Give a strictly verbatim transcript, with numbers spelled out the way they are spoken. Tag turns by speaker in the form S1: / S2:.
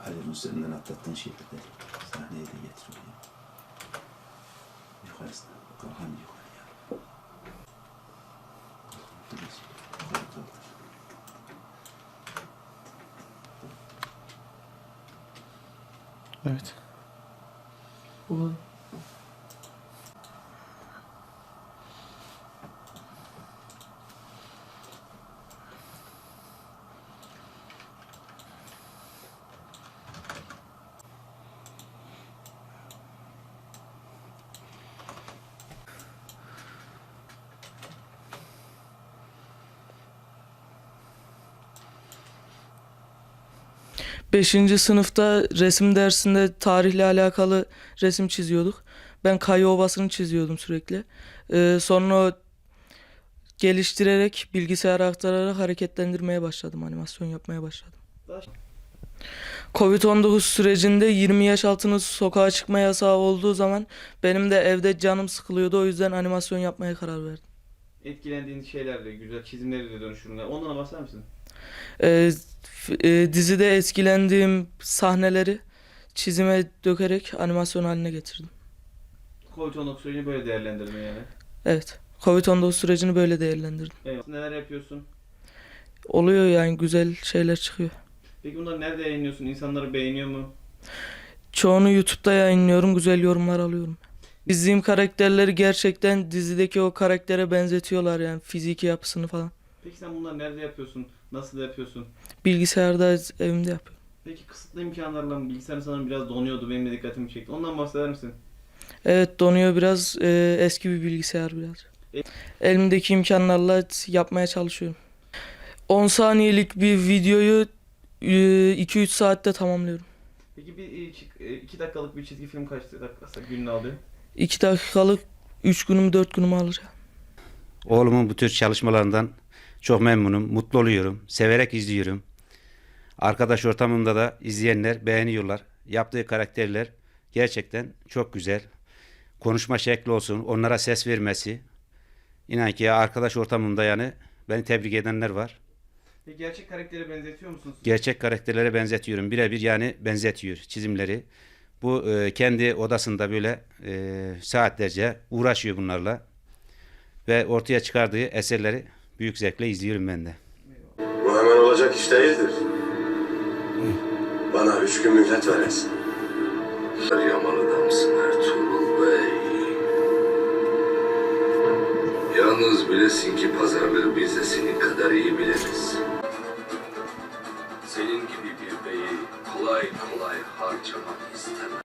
S1: Halil'in üzerinden atlattığın şeyleri sahneye de getiriyor. Yukarısına, kalkan yukarıya. Yukarı kaldır.
S2: Evet.
S3: Bu.
S2: Beşinci sınıfta resim dersinde tarihle alakalı resim çiziyorduk. Ben Kayı Ovası'nı çiziyordum sürekli. Ee, sonra o geliştirerek, bilgisayara aktararak hareketlendirmeye başladım, animasyon yapmaya başladım. Covid on dokuz sürecinde yirmi yaş altının sokağa çıkma yasağı olduğu zaman benim de evde canım sıkılıyordu. O yüzden animasyon yapmaya karar verdim.
S3: Etkilendiğin şeylerle, güzel çizimlerle dönüşümler. Ondan bahseder misin?
S2: Ee, f- e, dizide etkilendiğim sahneleri çizime dökerek animasyon haline getirdim.
S3: Covid on dokuz sürecini böyle değerlendirme yani.
S2: Evet. Covid on dokuz sürecini böyle değerlendirdim.
S3: Evet. Neler yapıyorsun?
S2: Oluyor yani, güzel şeyler çıkıyor.
S3: Peki bunları nerede yayınlıyorsun? İnsanları beğeniyor mu?
S2: Çoğunu YouTube'da yayınlıyorum, güzel yorumlar alıyorum. Çizdiğim karakterleri gerçekten dizideki o karaktere benzetiyorlar yani, fiziki yapısını falan.
S3: Peki sen bunları nerede yapıyorsun? Nasıl yapıyorsun?
S2: Bilgisayarda evimde yapıyorum.
S3: Peki kısıtlı imkanlarla mı? Bilgisayar sanırım biraz donuyordu. Benim de dikkatimi çekti. Ondan bahseder misin?
S2: Evet, donuyor biraz, e, eski bir bilgisayar biraz.
S3: E-
S2: Elimdeki imkanlarla yapmaya çalışıyorum. on saniyelik bir videoyu iki üç saatte tamamlıyorum.
S3: Peki bir iki dakikalık bir çizgi film kaç dakika gününü alıyor?
S2: iki dakikalık üç günüm dört günümü alır.
S4: Oğlumun bu tür çalışmalarından çok memnunum, mutlu oluyorum, severek izliyorum. Arkadaş ortamında da izleyenler beğeniyorlar. Yaptığı karakterler gerçekten çok güzel. Konuşma şekli olsun, onlara ses vermesi. İnan ki ya arkadaş ortamında yani beni tebrik edenler var.
S3: Peki gerçek karaktere benzetiyor musunuz?
S4: Gerçek karakterlere benzetiyorum. Birebir yani benzetiyor çizimleri. Bu e, kendi odasında böyle e, saatlerce uğraşıyor bunlarla. Ve ortaya çıkardığı eserleri büyük zevkle izliyorum ben de.
S5: Bu hemen olacak iş değildir. Bana üç gün mühlet veresin.
S6: Yamalı'da mısın Ertuğrul Bey? Yalnız bilesin ki pazarlığı biz de senin kadar iyi biliriz. Senin gibi bir beyi kolay kolay harcamak istemem.